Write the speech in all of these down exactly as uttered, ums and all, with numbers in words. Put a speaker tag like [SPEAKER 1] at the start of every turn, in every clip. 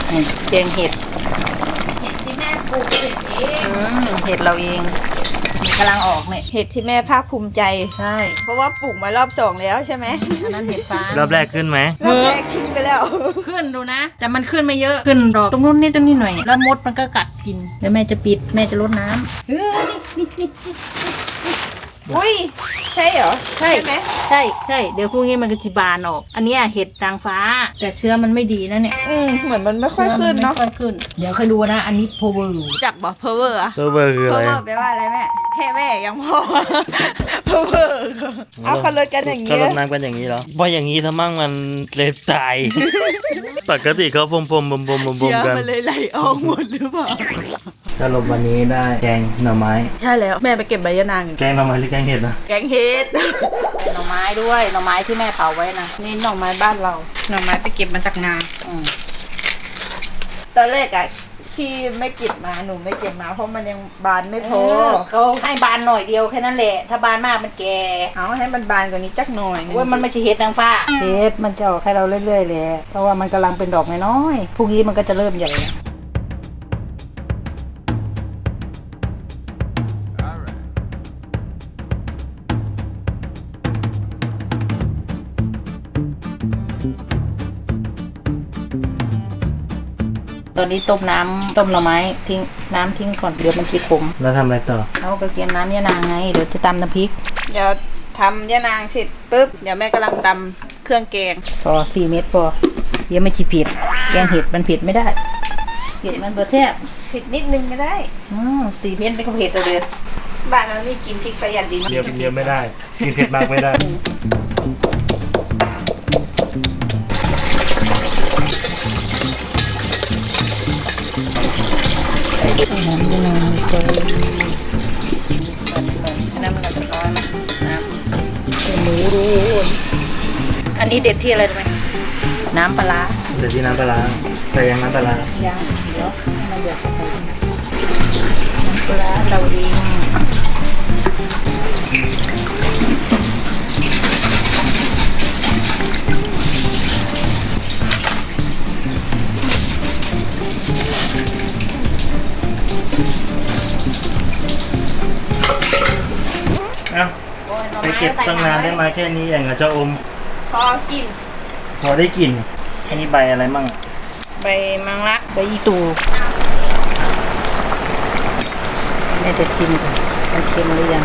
[SPEAKER 1] แกงเห็ด
[SPEAKER 2] เห็ดที่แม่ปลูกเอง
[SPEAKER 1] อืมเห็ดเราเองกำลังออกเนี่ย
[SPEAKER 2] เห็ดที่แม่ภาคภูมิใจ
[SPEAKER 1] ใช่
[SPEAKER 2] เพราะว่าปลูกมารอบสองแล้วใช่ไหม
[SPEAKER 1] อันนั้นเห็ดฟ้าร
[SPEAKER 3] อบแรกขึ้นไหม
[SPEAKER 2] รอบแรกทิ้งไปแล้ว
[SPEAKER 1] ขึ้นดูนะแต่มันขึ้นไม่เยอะขึ้นดอกตรงนู้นนี่ตรงนี้หน่อยแล้วมดมันก็กัดกินแล้วแม่จะปิดแม่จะรดน้ำเฮ้ย
[SPEAKER 2] อุ้ยใช่เหรอ
[SPEAKER 1] ใช่
[SPEAKER 2] ไหม
[SPEAKER 1] ใช่ใช่เดี๋ยวพรุ่งนี้มันก็จะบานออกอันนี้เห็ดนางฟ้าแต่เชื้อมันไม่ดีนะเนี่ย
[SPEAKER 2] อืมเหมือนมันไม่ค่อยขึ้นเนาะ
[SPEAKER 1] ไม่ค่อยขึ้นเดี๋ยวค่อยดูนะอันนี้โพเวอร์
[SPEAKER 2] จักบอกเพอเวอร์อะ
[SPEAKER 3] เพอเวอร์คืออะไร
[SPEAKER 2] เพอเวอร์แปลว่าอะไรแม่แค่แม่ยังพอเพอเวอร์เอาคนรถกันอย่าง
[SPEAKER 3] ก็
[SPEAKER 2] นี้
[SPEAKER 3] รดน้ำกันอย่างนี้เหรอพออย่างนี้ถ้ามั่งมันเลยตายปกติเขาพรมพรมพรมพรมพรม
[SPEAKER 2] เชื้อ
[SPEAKER 3] กัน
[SPEAKER 2] มันเลยไหลออกหมดหรือเปล่า
[SPEAKER 3] สรุปวันนี้ได้แกงหน่อไม้
[SPEAKER 2] ใช่แล้วแม่ไปเก็บใบยะนาง
[SPEAKER 3] แกงหน่อไม้หรือแกงเห็ดนะ
[SPEAKER 2] แกงเห็ด
[SPEAKER 1] หน่อไม้ด้วยหน่อไม้ที่แม่เผาไว้นะนี่หน่อไม้บ้านเรา
[SPEAKER 2] หน่อไม้ไปเก็บมาจากนาตอนแรกอะที่ไม่เก็บมาหนูไม่เก็บมาเพราะมันยังบานไม่พอ
[SPEAKER 1] เขาให้บานหน่อยเดียวแค่นั้นแหละถ้าบานมากมันแก่
[SPEAKER 2] เอาให้มันบานกว่านี้จักหน่อย
[SPEAKER 1] ว่ามันไม่ใช่เห็ดนางฟ้าเห็ดมันจะออกให้เราเรื่อยๆเลยเพราะว่ามันกำลังเป็นดอกน้อยๆพรุ่งนี้มันก็จะเริ่มใหญ่ตอนนี้ต้มน้ำต้มหน่อไม้ทิ้งน้ำทิ้งก่อนเดี๋ยวมันจะขม
[SPEAKER 3] แล้วทำอะไรต่อ
[SPEAKER 1] เอากระเทียมน้ำยะนางไงเดี๋ยวจะตำน้ำพริก
[SPEAKER 2] เดี๋ยวทำยะนางเสร็จปุ๊บเดี๋ยวแม่กำลังตำเครื่องแกง
[SPEAKER 1] พอสี่เม็ดพอเดี๋ยวไม่จีเผ็ดแกงเห็ดมันเผ็ดไม่ได้เผ็ดมันเบอร์แซ่บ
[SPEAKER 2] เผ็ดนิดนึงก็ได้
[SPEAKER 1] อืมสี่เม็ดไม่ก็เผ็ดเลย
[SPEAKER 2] บ้านเรานี่กินพริกประหยัดดี
[SPEAKER 3] เดียวเดียวไม่ได้กินเผ็ดมากไม่ได้
[SPEAKER 1] น้ำยังไงเจอน้ำมันจะน้อยมั้ยน้ำหมูรูอันนี้เด็ดที่อะไรรู้ไหมน้ำปลา
[SPEAKER 3] เด็ดที่น้ำปลาแต่ยังน้ำปลา
[SPEAKER 1] ยังเดี๋ยวให้มันเดือดไปน้ำปลาเราเอง
[SPEAKER 3] ไปเก็บตั้งนานได้มาแค่นี้อย่างกับจะอม
[SPEAKER 2] พอกิน
[SPEAKER 3] พอได้กลิ่นอันนี้ใบอะไรมั่ง
[SPEAKER 2] ใบมังลัก
[SPEAKER 1] ใบอีตูแม่จะชิมก่อนมันเค็มหรือยัง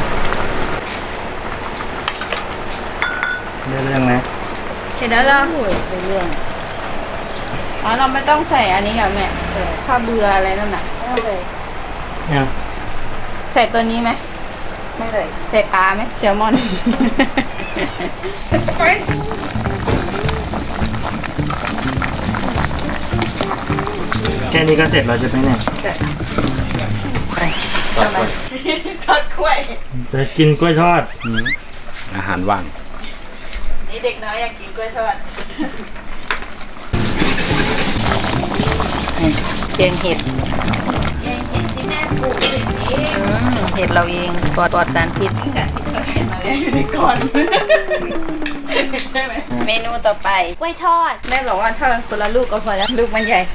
[SPEAKER 3] ได้เรื่องไหม
[SPEAKER 2] เสร็จแล้วเหรอ
[SPEAKER 1] ได้เรื่อง
[SPEAKER 2] อ๋อเราไม่ต้องใส่อันนี้เหรอแม่ข้าวเบื่ออะไรนั่นน่ะ
[SPEAKER 1] ไม่เลย
[SPEAKER 3] ยัง
[SPEAKER 2] ใส่ตัวนี้ไหม
[SPEAKER 1] ไม่เลย
[SPEAKER 2] ใส่ปลาไหมแซลมอน
[SPEAKER 3] แค่นี้ก็เสร็จแล้วจะไปไหน
[SPEAKER 2] ทอดกล้วยทอดกล้วย
[SPEAKER 3] จะกินกล้วยทอด
[SPEAKER 4] อาหารว่าง
[SPEAKER 2] นี่เด็กน้อยอยากกินกล้วยทอด
[SPEAKER 1] แกงเห็ด
[SPEAKER 2] แกงเห็ดที่แม่ปลูกเอง
[SPEAKER 1] เห็ดเราเองปลอดปลอดสารพิษ
[SPEAKER 2] แต่เราใส่มาแล้วอยู่ในก่อนใช่ไหมเมนูต่อไปกล้วยทอดแม่บอกว่าทอดคนละลูกก็พอแล้วลูกมันใหญ่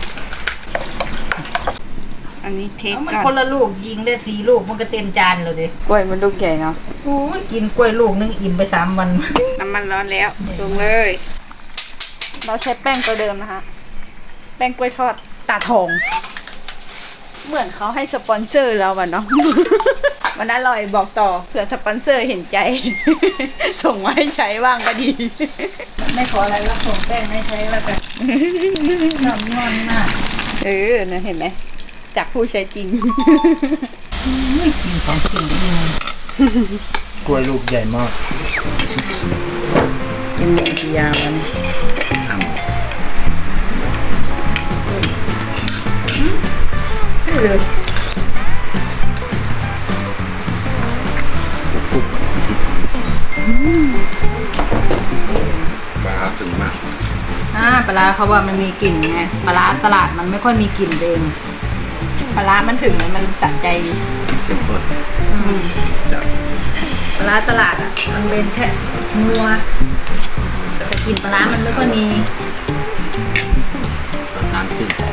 [SPEAKER 2] อันนี้เทค
[SPEAKER 1] ก่อนคนละลูกยิงได้สี่ลูกมันก็เต็มจานเลยดิ
[SPEAKER 2] กล้วยมันลูกใหญ่เนาะ
[SPEAKER 1] โอ้ยกินกล้วยลูกนึงอิ่มไปสามวัน
[SPEAKER 2] น้ำมันร้อนแล้วลงเลยเราใช้แป้งตัวเดิมนะคะแป้งกล้วยทอดตาทองเหมือนเขาให้สปอนเซอร์เราอะเนาะมันอร่อยบอกต่อเผื่อสปอนเซอร์เห็นใจส่งมาให้ใช้บ้างก็ดี
[SPEAKER 1] ไม่ขออะไรแล้วส่งแป้งให้ใช้แล้วกันน้ำนอนมาก
[SPEAKER 2] เออนะเห็นไหมจากผู้ใช้จริง
[SPEAKER 1] ไม่กินของจริง
[SPEAKER 3] กล้วยลูกใหญ่มาก
[SPEAKER 1] กินกี่ยาวันเลย
[SPEAKER 4] ปลาถึงมาก
[SPEAKER 1] อ่าปลาเขาว่ามันมีกลิ่นไงปลาตลาดมันไม่ค่อยมีกลิ่นเอง
[SPEAKER 2] ปลามันถึงมันสะใจ
[SPEAKER 4] เข้มข้น
[SPEAKER 1] อืมปลาตลาดอ่ะมันเป็นแค่นัวแต่กลิ่นปลามันไม่ค่อยมี
[SPEAKER 4] น้ำขึ้น